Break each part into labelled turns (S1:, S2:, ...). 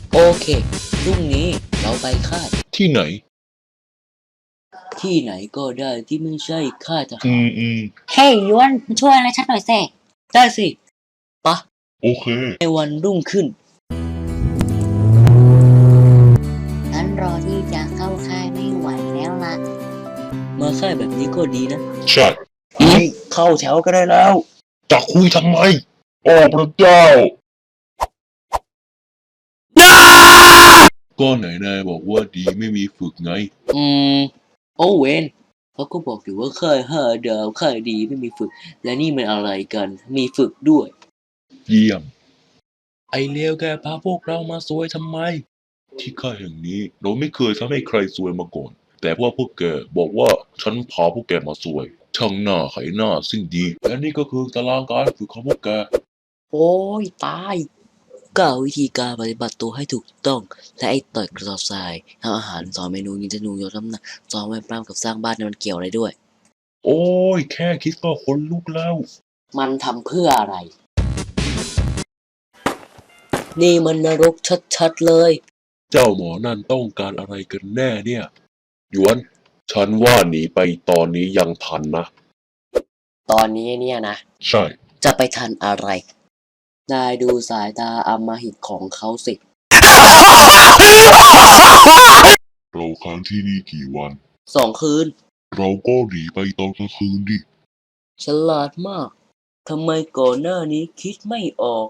S1: โอเคพรุ่งนี้เราไปค่าย
S2: ที่ไหน
S1: ที่ไหนก็ได้ที่ไม่ใช่ค่ายทหาร
S3: เฮ้ยยวนมาช่วยอะไรฉันหน่อยสิ
S1: ได้สิปะ
S2: โอเค
S1: ในวันรุ่งขึ้น
S3: ฉันรอที่จะเข้าค่ายไม่ไหวแล้วล่ะ
S1: มาค่ายแบบนี้ก็ดีนะ
S2: ใช่
S1: เข้าแถวก็ได้แล้ว
S2: จะคุยทำไมโอ้พระเจ้า ก็ไหนนายบอกว่าดีไม่มีฝึกไง
S1: โอเวนเขาก็บอกอยู่ว่าค่าย5 ดาวค่ายดีไม่มีฝึก และนี่มันอะไรกันมีฝึกด้วย
S2: เยี่ยม ไอเลวแกพาพวกเรามาซวยทำไม ที่ค่ายแห่งนี้เราไม่เคยทำให้ใครซวยมาก่อน แต่ว่าพวกแกบอกว่าฉันพาพวกแกมาซวย ช่างหน้าไขหน้าสิ่งดี และนี่ก็คือตารางการฝึกของพวกแก
S1: โอ้ยตายกล่าววิธีการปฏิบัติตัวให้ถูกต้อง และไอ้ต่อยกระสอบทรายทำอาหารสอนเมนูยิงธนูยกน้ำหนักสอนไว้ปล้ำกับสร้างบ้านเนี่ยมันเกี่ยวอะไรด้วย
S2: โอ้ยแค่คิดก็ขนลุกแล้ว
S1: มันทำเพื่ออะไร นี่มันนรกชัดๆเลย
S2: เจ้าหมอนั่นต้องการอะไรกันแน่เนี่ยหยวน ฉันว่าหนีไปตอนนี้ยังทันนะ
S1: ตอนนี้เนี่ยนะ
S2: ใช่
S1: จะไปทันอะไร นายดูสายตาอำมหิตของเขาสิ
S2: เราค้างที่นี่กี่วัน
S1: 2 คืน
S2: เราก็หนีไปตอนกลางคืนดิ
S1: ฉลาดมาก ทำไมก่อนหน้านี้คิดไม่ออก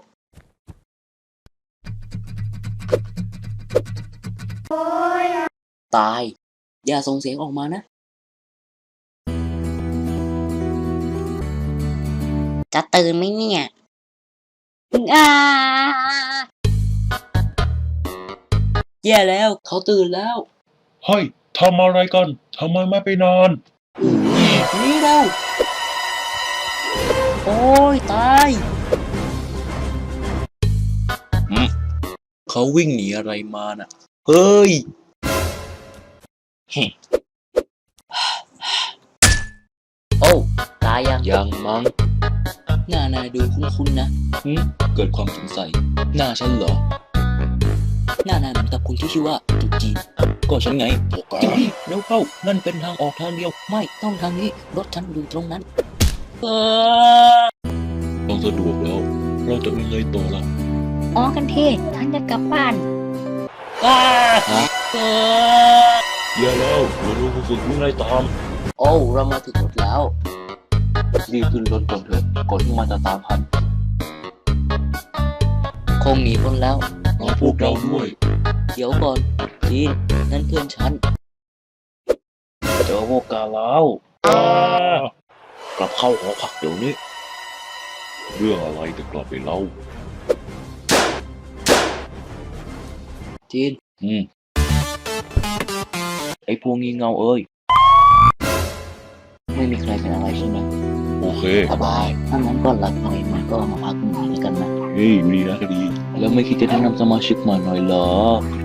S1: ตาย อย่าส่งเสียงออกมานะ
S3: จะตื่นไหมเนี่ยอ้า
S1: แย่แล้ว เขาตื่นแล้ว
S2: เฮ้ย ทำอะไรกัน ทำไมไม่ไปนอน
S1: นี่เราโอ้ยตาย เขาวิ่งหนีอะไรมาน่ะ เฮ้ย โอ้ตายยังมั้งหน้านายดูคุ้นๆนะเกิดความสงสัย หน้าฉันเหรอ หน้านายเหมือนกับคุณที่ชื่อว่าจุดจีน ก็ฉันไงจริงดิเร็วเข้า นั่นเป็นทางออกทางเดียว ไม่ต้องทางนี้ รถฉันอยู่ตรงนั้น
S2: ต้องสะดวกแล้ว เราจะยังไงต่อล่ะ
S3: อ๋อกันเทศฉันจะกลับบ้าน
S2: อย่าแล้วเราดูผู้ฝึกวิ่งไล่ตาม
S1: โอ้ เรามาถึงรถแล้ว รีบขึ้นรถก่อนเถอะก่อนที่มันจะตามทัน คงหนีพ้นแล้ว
S2: รอพวกเราด้วย
S1: เดี๋ยวก่อนจีนนั่นเพื่อนฉัน เจอพวกกาแล้วกลับเข้าหอพักเดี๋ยวนี้
S2: เรื่องอะไรจะกลับไปเล่า
S1: จีน ไอ้พวกงี้เงาเอ้ย ไม่มีใครเป็นอะไรใช่ไหม
S2: โอเค
S1: สบายถ้างั้นก็หลับหน่อยมันก็มาพักหน่อยแล้วกันนะ
S2: เฮ้ยดีนะก็ดี
S1: แล้วไม่คิดจะแนะนำสมาชิกมาหน่อยเหรอ